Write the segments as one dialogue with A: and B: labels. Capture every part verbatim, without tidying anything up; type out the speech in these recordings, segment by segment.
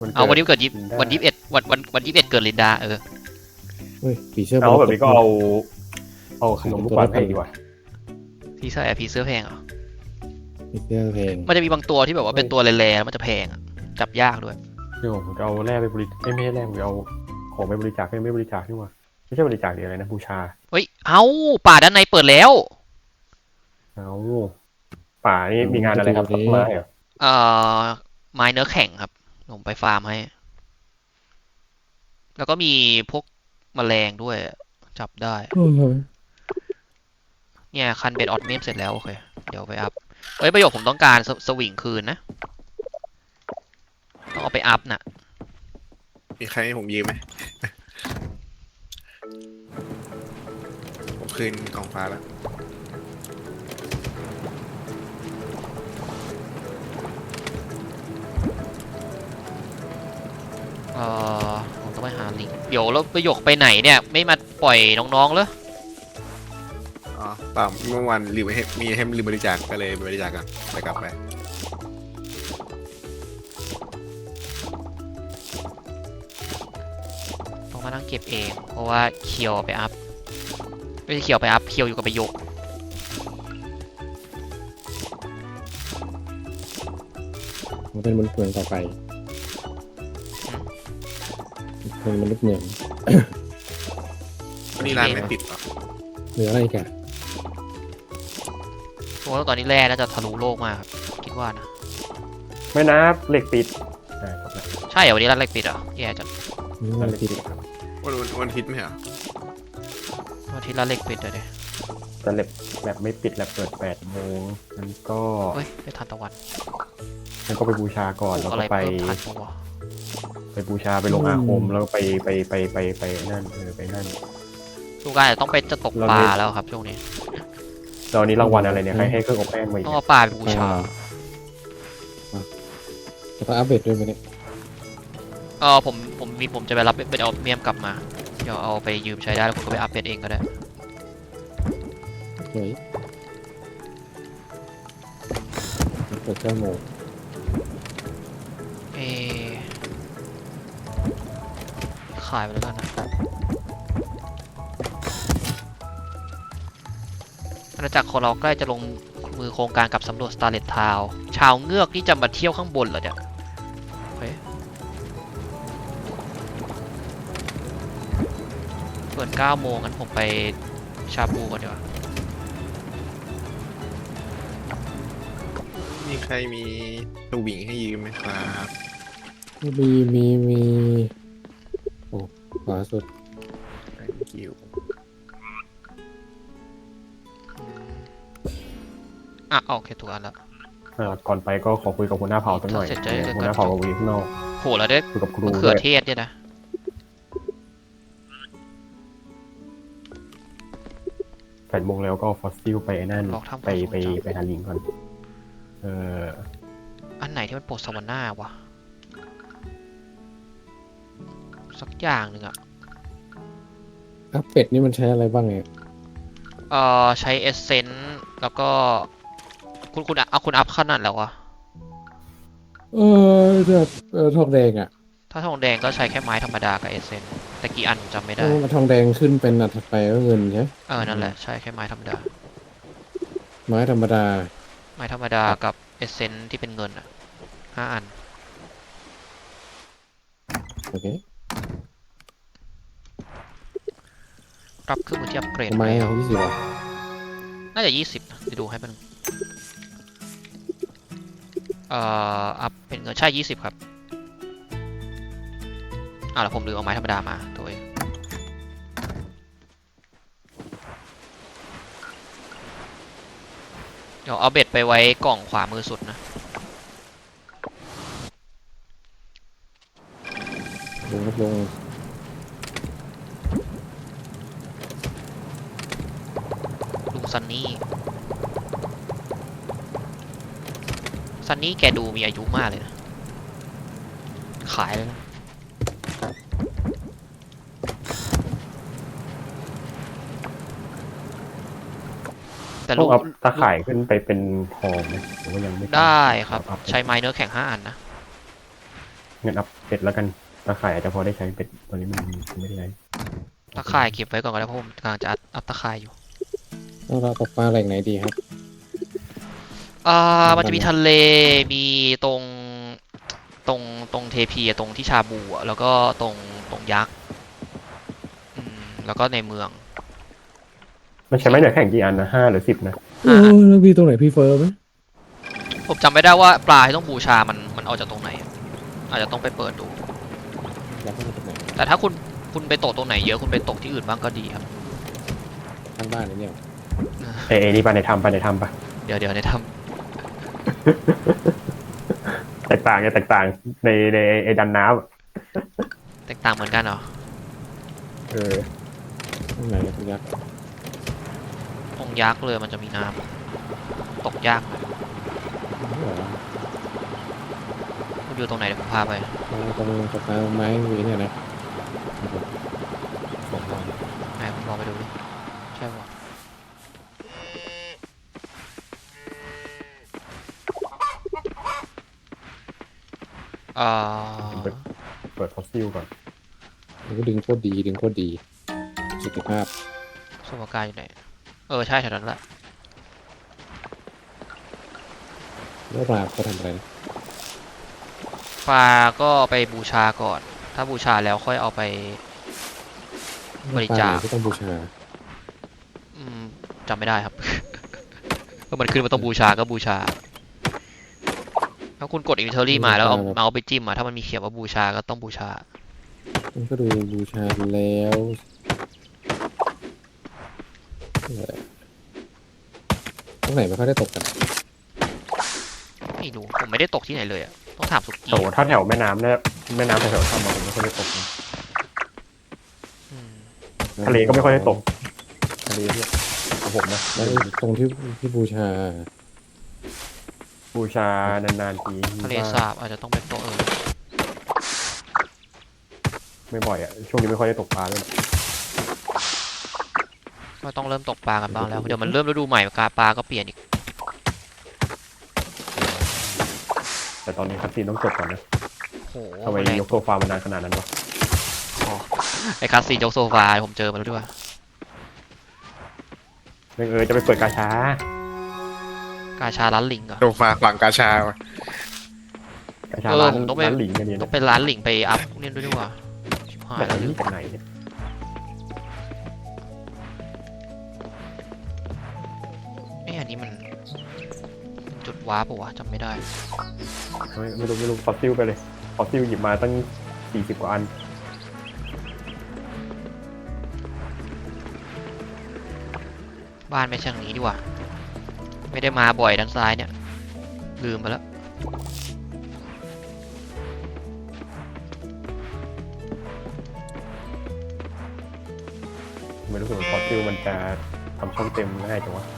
A: เอาวันนี้เกิดยิบวันยี่สิบเอ็ดวันวันวันยี่สิบเอ็ดเกิดลินดาเออ
B: เฮ้ยผีเสื้อ
C: เอาแบบนี้ก็เอาเอาขนมลูกบอลให้ดีกว่า
A: พี่ใส่พีเสื้อแพงเหรอ
B: ผีเสื้อแพง
A: มันจะมีบางตัวที่แบบว่าเป็นตัวแร่ๆมันจะแพงจับยากด้วย
C: เดี๋ยวผมจะเอาแร่ไปบริไม่ไม่แร่ผมจะเอาของไปบริจาคไม่ไม่บริจาคนี่ว่าไม่ใช่บริจาคเดียวอะไรนะบูชา
A: เฮ้ยเอาป่าด้านในเปิดแล้ว
C: เอาป่านี่มีงานอะไรครับต้นไม้เหรอ
A: เอ่อไม้เนื้อแข็งครับผมไปฟาร์มให้แล้วก็มีพวกแมลงด้วยจับได้เนี่ยคันเบ็ดออดเมมเสร็จแล้วโอเคเดี๋ยวไปอัพเฮ้ยประโยคผมต้องการสวิงคืนนะต้องเอาไปอัพน่ะ
D: มีใครให้ผมยืมไหมผมคืนกล่องฟ้าแล้ว
A: เอ่อผมต้องไปหาลิงเดี๋ยวแล้วประโยคไปไหนเนี่ยไม่มาปล่อยน้องๆเลย
D: อ๋อเปล่าเมื่อวานลืมให้มีให้ลืมบริจาคก็เลยบริจาคกันไปกลับไป
A: ต้องมานั่งเก็บเองเพราะว่าเคียวไปอัพไม่ใช่เคียวไปอัพเคียวอยู่กับประโยค
B: มันเป็นมนุษย์เมืองต่อไปเป็นมนุษย์เมือง
D: วันนี้ร้านไม่ปิดหรอ
B: เหลืออะไรกัน
A: เพราะว่าตอนนี้แร่น่าจะทะลุโลกมากครับคิดว่านะ
C: ไม่นับเหล็กปิด
A: ใช่เหรอวันนี้ร้านเหล็กปิดเหรอแย่จัง
B: วันอาทิตย์
D: วันวันวันอาทิตย์ไม่เหรอ
A: วันอาทิตย์ร้านเหล็กปิดเลยเนี่ย
C: แต่แลบแลบไม่ปิดแลบเปิดแปดโมงงั้นก็
A: เฮ้ยไปทันตะวัน
C: งั้นก็ไปบูชาก่อนแล้วก็ไปไปบูชาไปลงอาคมแล้วไปไปไปไปไปนั่นเออไปนั่น
A: ทุกการต้องไปจะตกปลาแล้วครับช่วงนี้
C: ตอนนี้รางวัลอะไรเนี่ยใครให้เครื่องอบแป้งมา
A: ต้องเอาปลาไปบูชา
B: จะต้องอัปเดตด้วยไหมเนี่ย
A: เออผมผมมีผมจะไปรับเป็นเอาเมียมกลับมาเดี๋ยวเอาไปยืมใช้ได้แล้วผมก็ไปอัปเดตเองก็ได้
B: เฮ้ยเปิดเก้าโมง
A: เอขายไปแล้วกันนะอาณาจักรของเราใกล้จะลงมือโครงการกับสำรวจสตาร์เลตทาวน์ชาวเงือกที่จะมาเที่ยวข้างบนเหรอเนี่ยเปิดเก้าโมงงั้นผมไปชาบูก่อนดีกว่า
D: มีใครมีสวิงให้ยืมไหมครับ
B: มีมีมีโอ้ขวาสุด
D: thank you
A: อ่ะโอเคถูกอันแล้ว
C: ก่อนไปก็ขอคุยกับหัวหน้าเผ่าสักหน่อยหัวหน้าเผ่ากับวีข้างนอก
A: โหแล้วได้
C: คุยกับครู
A: มะเขือเทศเนี่ยนะ
C: แปดโมงแล้วก็ฟอสซิลไปนั่นไปไปไปหาลิงก่อนเออ
A: อันไหนที่มันปลดสวรรค์หน้าวะสักอย่างหนึ่งอะ
B: อัพเป็ดนี่มันใช้อะไรบ้างเนี่ย
A: เอ่อใช้เอสเซนต์แล้วก็คุณคุณเอาคุณอัพขนาดแล้ววะ
B: เออเออทองแดงอะ
A: ถ้าทองแดงก็ใช้แค่ไม้ธรรมดากับเอสเซนต์แต่กี่อันจำไม่ได้
B: มาทองแดงขึ้นเป็นอันถัดไปก็เงินใช่
A: เออนั่นแหละใช่แค่ไม้ธรรมดา
B: ไม้ธรรมดา
A: ไม้ธรรมดากับเอเซนที่เป็นเงินอ่ะห้าอัน
B: โอเค
A: ปรับขึ้นมาที่อัปเกรด
B: ไม้ยี่สิบ
A: น่าจะยี่สิบไปดูให้มันเอ่ออัพเป็นเงินใช่ยี่สิบครับอ่าแล้วผมลืมเอาไม้ธรรมดามาตัวเองเดี๋ยวเอาเบ็ดไปไว้กล่องขวามือสุดนะ
B: ลงลง
A: ลุงซันนี่ซันนี่แกดูมีอายุมากเลยนะขายเลยนะแต่ลูก
C: ตาข่ายขึ้นไปเป็นทองไหมหรือว่ายังไม่
A: ได้ครับใช้ไม้เนื้อแข็งห้าอันนะ
C: งั้นอัพเป็ดแล้วกันตาข่ายอาจจะพอได้ใช้เป็ดตอนนี้มันไม่ได้ใช้
A: ตะข่ายเก็บไว้ก่อนก็ได้เพราะผมกำลังจะอัพอัพตะข่ายอยู่
B: แล้วเราตกปลาแหล่งไหนดีครับ
A: อ่า
B: มัน
A: มันจะมีทะเล มีตรง ตรง ตรงเทพีอะตรงที่ชาบูอะแล้วก็ตรง ตรงยักษ์ อืม แล้วก็ในเมือง
C: มันใช้ไม้เหนือแข่งกี่อันนะห้าหรือสิบนะ
B: โอ้แล้วมีตรงไหนพี่เฟิร์มไหม
A: ผมจำไม่ได้ว่าปลาที่ต้องบูชา มัน มันเอาจากตรงไหน อาจจะต้องไปเปิดดู
B: อยากให้มันตรงไหน
A: แต่ถ้าคุณ คุณไปตกตรงไหนเยอะ คุณไปตกที่อื่นบ้างก็ดีครับ
B: ข้างบ้านนี่เนี่ย
C: เอ้ยเอ้ยนี่ไปในถ้ำไปในถ้ำปะ
A: เดี๋ยวเดี๋ยวในท
C: แตกต่างไงแตกต่างในในไอ้ดันน้ำอะ
A: ำแตกต่างเหมือนกันเหรอ
C: เออ
B: ตรงไหนนะคุณยักษ์
A: ตรงยักษ์เลยมันจะมีน้ำตกยากหน่อย
B: นี่เหรอ
A: คุณอยู่ตรงไหนเดี๋ยวผมพาไป
B: เอาตรงตกปลาไม้วีเนี่ยนะสองวัน
A: ไหนผมลองไปดูดิใช่ปะเอ่อ
C: เปิดฟอสซิลก่อน
B: มันก็ดึงโคตรดีดึงโคตรดีสุขภาพ
A: สมการอยู่ไหน เออ ใช่แถวนั้นแหละ
B: แล้วปลาเขาทำอะไรนะ
A: ปลาก็ไปบูชาก่อน ถ้าบูชาแล้วค่อยเอาไป บริจาค
B: ปลไหนที่ต้องบูชา
A: อืมจำไม่ได้ครับ ก็มันขึ้นมาต้องบูชาก็บูชา ถ้าคุณกดอินเทอรี่มาแล้วเอาเมาส์ไปจิ้มอะถ้ามันมีเขียนว่าบูชาก็ต้องบูชา
B: มันก็ดูบูชาแล้วเออตรงไหนไม่ค่อยได้ตกกัน
A: ไม่รู้ผมไม่ได้ตกที่ไหนเลยอะต้องถามสุกี้
C: โถถ้าแถวแม่น้ำเนี่ยแม่น้ำแถวๆถ้ำอะผมไม่ค่อยได้ตกนะ
A: อืม
C: ทะเลก็ไม่ค่อยได้ตกทะเลเนี่ยของผมนะ
B: แล้วตรงที่ที่บูชา
C: บูชานานๆที
A: ทะเลสาบอาจจะต้องเป็นตัวเออ
C: ไม่บ่อยอ่ะช่วงนี้ไม่ค่อยได้ตกปลาเลย
A: ก็ต้องเริ่มตกปลากันบ้างแล้ว เดี๋ยวมันเริ่มฤดูใหม่ปลาปลาก็เปลี่ยนอีก
C: แต่ตอนนี้คัสซีนต้องจบก่อนนะ
A: โห
C: ทำไม
A: แรง
C: ยกโซฟามานานขนาดนั้นวะ
A: อ๋อไอ้คาสซีนยกโซฟาผมเจอมาแล้วด้วย
C: เรื่องเออจะไปเปิดกาชาก
A: าชาร้านหลิงเหรอ
D: โซฟาฝั่งกาชาวะ
C: กาชา
A: เออ
C: ร้าน
A: ผมต้องไป
C: ร้านหลิงกันเนี่ย
A: ต้องเป็นร้านหลิงไปอัพเนี่ยด้วยดีกว่าชิบหาย
C: แบบ
A: แล้วลื
C: นี้
A: ม
C: กันไหนเนี่ย
A: เอ้ยอันนี้มันจุดว้าร์ปปะวะจำไม่ได้
C: ไม่ไม่รู้ไม่รู้ฟอสซิลไปเลยฟอสซิลหยิบมาตั้งสี่สิบกว่าอัน
A: บ้านไม่ใช่ทางนี้ดีกว่า ไม่ได้มาบ่อยด้านซ้ายเนี่ย ลืมไปแล้ว
C: ไม่รู้สึกว่าฟอสซิลมันจะทำช่องเต็มง่ายจังวะ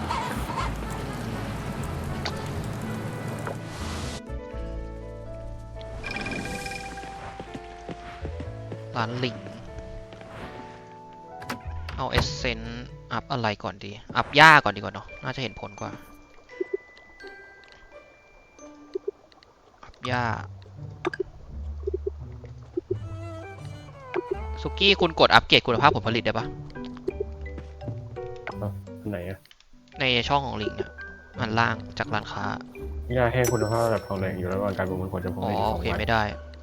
A: ร้านหลิง เอาเอสเซนอัพอะไรก่อนดี อัพหญ้าก่อนดีกว่าเนาะ น่าจะเห็นผลกว่า อัพหญ้า สุกี้คุณกดอัปเกรดคุณภาพผลผลิตได้ปะ
C: อันไหนอะ
A: ในช่องของลิงเนี่ยอันล่างจากร้านค้า
C: ยาแห้งคุณภาพระดับทองแดงอยู่ระหว่างการประเมินผลจะพบ
A: อ๋อ
C: ได้อีกส
A: โอ
C: อง
A: เค
C: วัน
A: ไม่ได้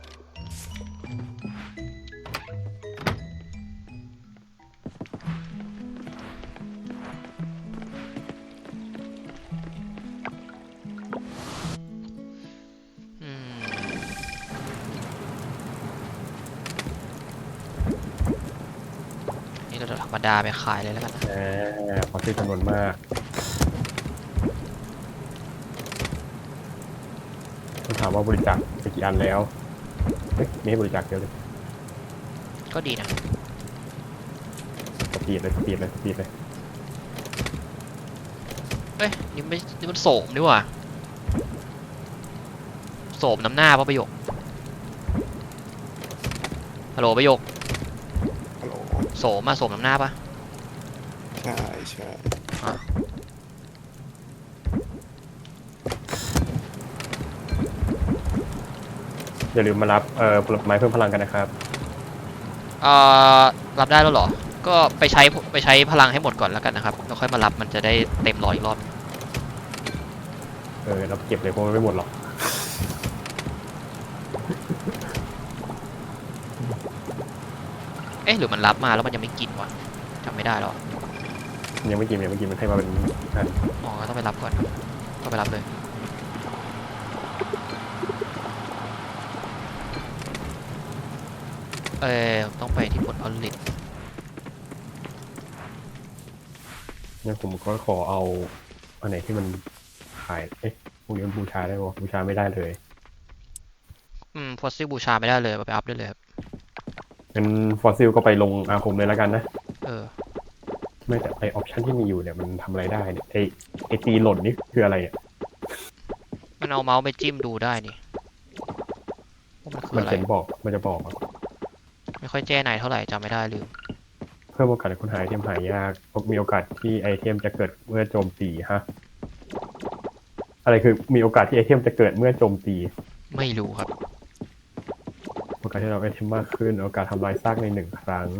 A: อืม นี่เราธรรมดาไปขายเลยแล้วกันนะ
C: แหมฟอสซิลจำนวนมากต้องถามว่าบริจาคไปกี่อันแล้วเฮ้ยไม่ให้บริจาคเดียวเลย
A: ก็ดีนะ
C: สปีดเลยสปีดเลยสปีดเลย
A: เอ้ย นี่ไม่นี่มันโสมนี่หว่าโสมน้ำหน้าป่ะประโยค ฮัลโหลประโยค
D: ฮัลโหล
A: โสมมาโสมน้ำหน้าป่ะ
D: ใช่ใช่
A: อ่ะ
C: อย่าลืมมารับเอ่อผลไม้เพิ่มพลังกันนะครับ
A: เอ่อรับได้แล้วเหรอ ก็ไปใช้ไปใช้พลังให้หมดก่อนแล้วกันนะครับแล้วค่อยมารับมันจะได้เต็มร้อยอีกรอบ
C: เออเราเก็บเลยเพราะมันไม่หมดหรอก
A: เอ๊ะหรือมันรับมาแล้วมันยังไม่กินวะจำไม่ได้หรอ
C: ยังไม่กินยังไม่กินมันให้มาเป็นอัน
A: อ๋อต้องไปรับก่อนต้องไปรับเลยเออต้องไปที่ผลผลิต
C: เนี่ยผมก็ขอเอาอันไหนที่มันขายเอ๊ะพวกนี้มันบูชาได้ปะบูชาไม่ได้เลย
A: อืมฟอสซิลบูชาไม่ได้เลยเอาไปอัพได้เลยครับ
C: งั้นฟอสซิลก็ไปลงอาคมเลยแล้วกันนะ
A: เออ
C: ไม่แต่ไอออปชันที่มีอยู่เนี่ยมันทำอะไรได้เนี่ยไอไอตีหล่นนี่คืออะไรอ่ะ
A: มันเอาเมาส์ไปจิ้มดูได้นี่ว่ามันคือ
C: มัน
A: อะไร
C: เขียนบอกมันจะบอกอะ
A: ไม่ค่อยแจ้ไหนเท่าไหร่จำไม่ได้ลืม
C: เพิ่มโอกาสในคนหายไอเทมหายากมีโอกาสที่ไอเทมจะเกิดเมื่อโจมตีฮะอะไรคือมีโอกาสที่ไอเทมจะเกิดเมื่อโจมตี
A: ไม่รู้ครับ
C: โอกาสที่เราไอเทมมากขึ้นโอกาสทำลายซากในหนึ่งครั้ง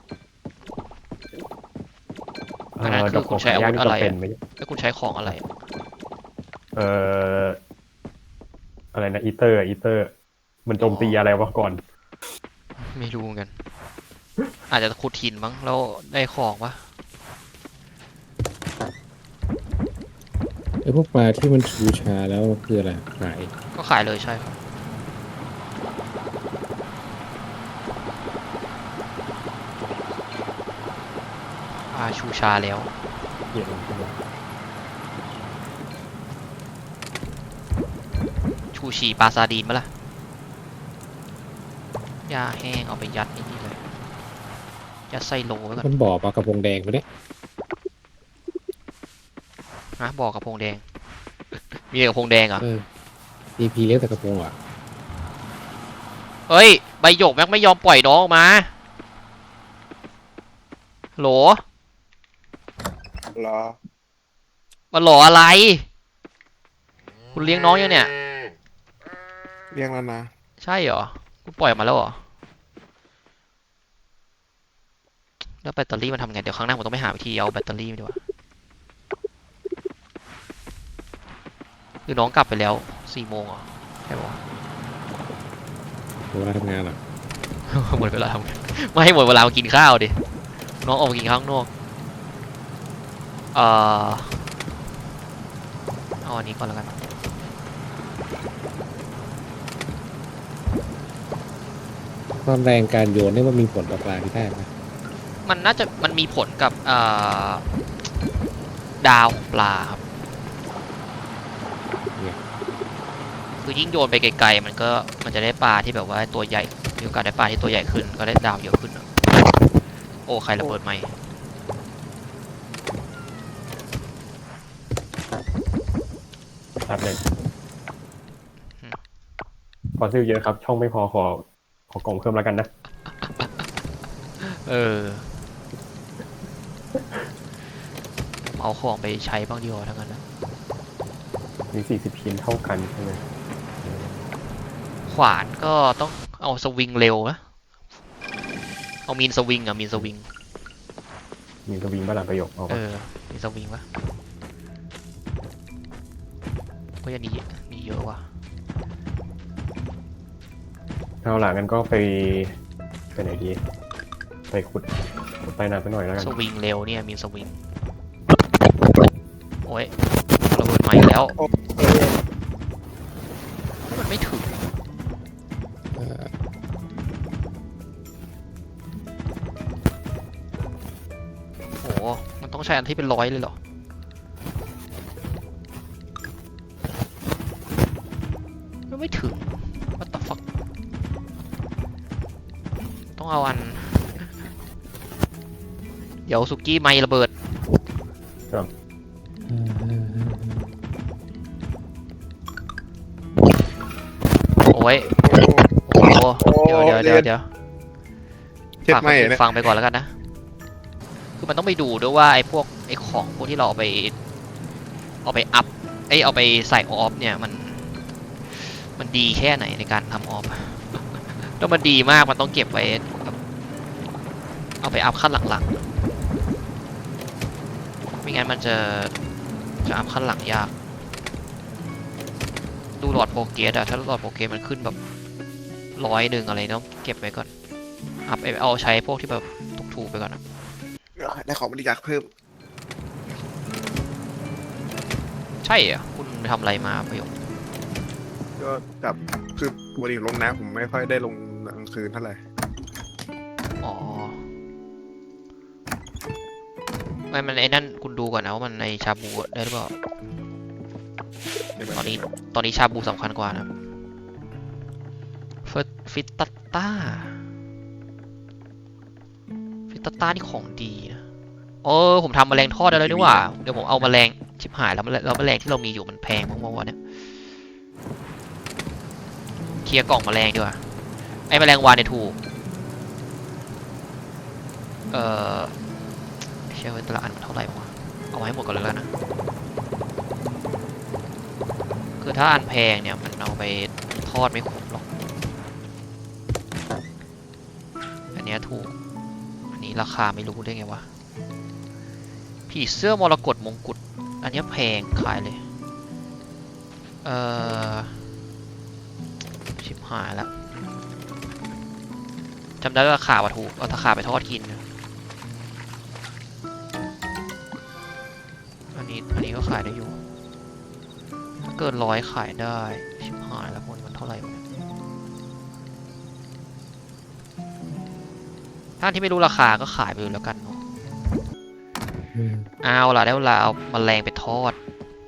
A: อันนั้น
C: เ
A: คือคุณใช้อาวุธอะไร
C: ดกขงหายากนี่จำเป็
A: อะ
C: นไหม
A: แล้วคุณใช้ของอะไร
C: เอ่ออะไรนะอีเตอร์อีเตอร์ มันโจมตีอะไรวะก่อน
A: ไม่รู้เหมือนกัน อาจจะขุดหินมั้งแล้วได้ของวะ
B: ไอ้พวกปลาที่มันบูชาแล้วคืออะไรขาย
A: ก็ขายเลยใช่ครับอาชูชาแล้ว
C: เกี่ยวกับ
A: ชูชีปลาซาดีนมาล่ะหญ้าแห้งเอาไปยัดในนี่เลย ยัดไส้โลไว้ก่อน
B: มันบ่อปลากระพงแดงไปเนี่ย
A: นะบอกกระพงแดง มีกระพงแดงเหรอ
B: เออดีพีเลี้ยงแต่กระพงอ่ะ
A: เฮ้ย ใบหยกแม็กไม่ยอมปล่อยน้องออกมา โหล
E: เหรอ
A: มาโหลอะไร คุณเลี้ยงน้องยังเนี่ย
E: เรียกแล้วนะ
A: ใช่เหรอ คุณปล่อยออกมาแล้วเหรอ แล้วแบตเตอรี่มันทำไง เดี๋ยวครั้งหน้าผมต้องไปหาวิธีเอาแบตเตอรี่มาดีกว่าคือน้องกลับไปแล้วสี่โมงเหรอใช่ปะวะ
B: เวลาทำงานอ่ะ
A: หมดเวลาทำงานไม่ให้หมดเวลามากินข้าวดิ น้องออกมากินข้าวข้างนอก เอ่อเอาอันนี้ก่อนแล้วกัน
B: ความแรงการโยนนี่มันมีผลต่อปลาที่ได้ไหม
A: มันน่าจะมันมีผลกับเอ่อดาวของปลาครับ คือยิ่งโยนไปไกลๆมันก็มันจะได้ปลาที่แบบว่าตัวใหญ่มีโอกาสได้ปลาที่ตัวใหญ่ขึ้นก็ได้ดาวเยอะขึ้นอะโอ้ใครระเบิดไหมค์
C: ครับเลยฟอสซิลเยอะครับ ช่องไม่พอขอขอกล่องเพิ่มแล้วกันนะ
A: เออเอาของไปใช้บ้างดีกว่าทั้งนั้นนะ
C: มีสี่สิบชิ้นเท่ากันใช่ไหม
A: ขวานก็ต้องเอาสวิงเร็วนะเอามีนสวิงอะมีนสวิง
C: มีสวิงบ้าหลังประโยคเอา
A: เอ
C: ปะ
A: อมีสวิงปะก็ยันนี้มีเยอะว่ะ
C: เอาหลังกันก็ไปไปไหนดี ไปขุดขุดใต้น้ำไปหน่อยแล้วกัน
A: สวิงเร็วเนี่ยมีสวิงโอ้ยระเบิดไหมค์แล้ว
E: โอ้ย
A: มันไม่ถึง
B: เออ
A: โอ้โหมันต้องใช้อันที่เป็นร้อยเลยเหรอ มันไม่ถึง what the fuck ต้องเอาอัน เดี๋ยวสุกี้ไม่ระเบิด โอ้ย โอ้โห เดี๋ยวเดี๋ยวเดี๋ยวเดี๋ยว
E: เช็ด
A: ฝาก
E: ไม่
A: คนอื่น
E: เนี่ย
A: ฟังไปก่อนแล้วกันนะ คือมันต้องไปดูด้วยว่าไอ้พวกไอ้ของพวกที่เราเอาไป เอาไปอัพ เอ้ยเอาไปใส่ออฟเนี่ยมันมันดีแค่ไหนในการทำออฟ ถ้ามันดีมากมันต้องเก็บไว้แบบเอาไปอัพขั้นหลังๆไม่งั้นมันจะจะอัพขั้นหลังยากดูหลอดโปรเกรสอะถ้าหลอดโปรเกรสมันขึ้นแบบร้อยหนึ่งอะไรต้องเก็บไว้ก่อนอัพเอาใช้พวกที่แบบถูกๆไปก่อนอะ
E: ได้ของบริจาคเพิ่ม
A: ใช่เหรอคุณไปทำอะไรมาประโยค
E: ก็กับคือวันนี้ลงน้ำผมไม่ค่อยได้ลงกลางคืนเท่าไหร่
A: อ๋อไม่มันไอ้นั่นคุณดูก่อนนะว่ามันในชาบูได้หรือเปล่าตอนนี้ตอนนี้ชาบูสำคัญกว่านะฟิตฟิตตัตต้าฟิตตัตต้านี่ของดีนะเออผมทำแมลงทอดได้แล้วนี่หว่าเดี๋ยวผมเอาแมลงชิบหายแล้วแล้วแมลงที่เรามีอยู่มันแพงมากๆวะเนี่ยเคลียร์กล่องแมลงดีกว่าไอ้แมลงวานเนี่ยถูกเออเชื่อว่าแต่ละอันมันเท่าไหร่วะเอาไว้ให้หมดก่อนเลยแล้วนะคือถ้าอันแพงเนี่ยมันเอาไปทอดไม่คุ้มหรอกอันเนี้ยถูกอันนี้ราคาไม่รู้ได้ไงวะผีเสื้อมรกตมงกุฎอันเนี้ยแพงขายเลยเออชิบหายแล้วจำได้ว่าราคาว่าถูกเอาราคาไปทอดกินนะอันนี้อันนี้ก็ขายได้อยู่ถ้าเกินร้อยขายได้ชิบหายแล้วมันมันเท่าไหร่วะเนี่ยถ้าที่ไม่รู้ราคาก็ขายไปเลยแล้วกันเนาะ
B: อืม
A: เอาล่ะได้เวลาเอาแมลงไปทอด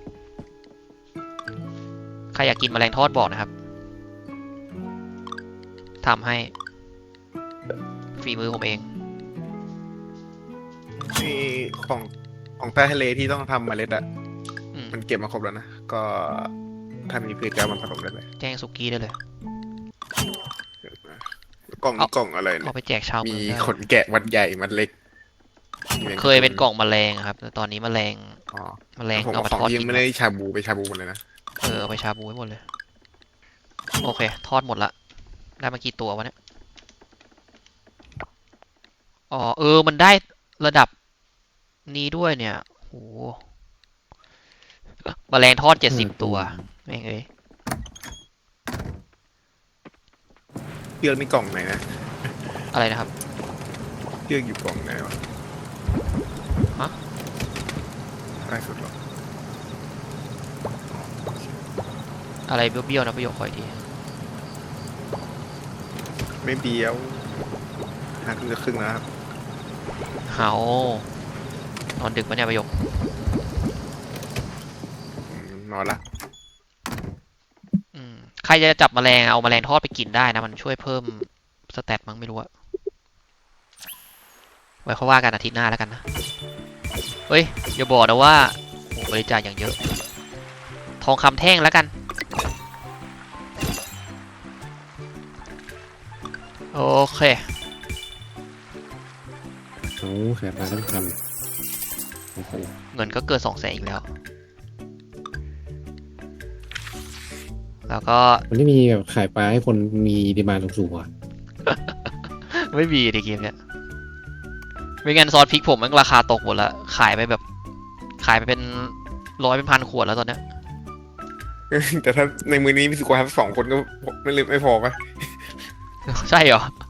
A: ใครอยากกินแมลงทอดบอกนะครับทำให้ฝีมือผมเอง
E: นี่ของของใต้ทะเลที่ต้องทำเมล็ดอะ
A: อืม
E: มันเก็บมาครบแล้วนะ ก็ถ้ามีพืชก็เอามันผสมได้เลย
A: แจ้งสุกี้ได้เลย
E: กล่อง
A: เอา
E: กล่องอะไร
A: เอา
E: เนี่ย
A: ไปแจกชาว
E: มี
A: เมืองได้
E: ขนแกะมันใหญ่มันเล็กมีแมง
A: เคยเป็นกล่องแมลงอะครับแต่ตอนนี้แมลง
E: อ๋อ
A: แมลง
E: ผม
A: เอา
E: เอา
A: มา
E: ของ
A: ทอด
E: ที่ยั
A: กิ
E: ง
A: น
E: ไม่ได้ชาบูไปชาบูหมดเลยนะ
A: เออเอาไปชาบูให้หมดเลยโอเคทอดหมดละได้มากี่ตัววะเนี่ยอ๋อเออมันได้ระดับนี้ด้วยเนี่ยโหแมลงทอดเจ็ดสิบตัวแม่งเอ้ย
E: เชือกนี่กล่องไหนนะ
A: อะไรนะครับ
E: เชือกอยู่กล่องไหนวะ
A: ฮะ
E: ใกล้สุดหรอ
A: อะไรเบี้ยวๆนะประโยคคอยที
E: ไม่เบี้ยวห้าครึ่งจะครึ่งแล้วครับ
A: เฮานอนดึกปะเนี่ยประโยค
E: อืมนอนละ
A: อืมใครจะจับแมลงเอาแมลงทอดไปกินได้นะมันช่วยเพิ่มสเตตมั้งไม่รู้อะไว้เขาว่ากันอาทิตย์หน้าแล้วกันนะเฮ้ยอย่าบอกนะว่าโอ้บริจาคอย่างเยอะ ทองคำแท่งแล้วกันโอเค
B: โอ้ขายปลาทั้งคำโอ้โห
A: เงินก็เกินสองแสนอีกแล้ว แล้วก็
B: มันไม่มีแบบขายปลาให้คนมีดีมานด์สูงๆอ่ะ
A: ไม่มีในเกมเนี้ยไม่งั้นซอสพริกผมมันราคาตกหมดละขายไปแบบ ขายไปเป็นร้อยเป็นพันขวดแล้วตอนเนี้ย
E: แต่ถ้าในมือนี้มีสุขภาพสองคนก็ไม่ลืมไม่พอปะ
A: ใช่เหรอ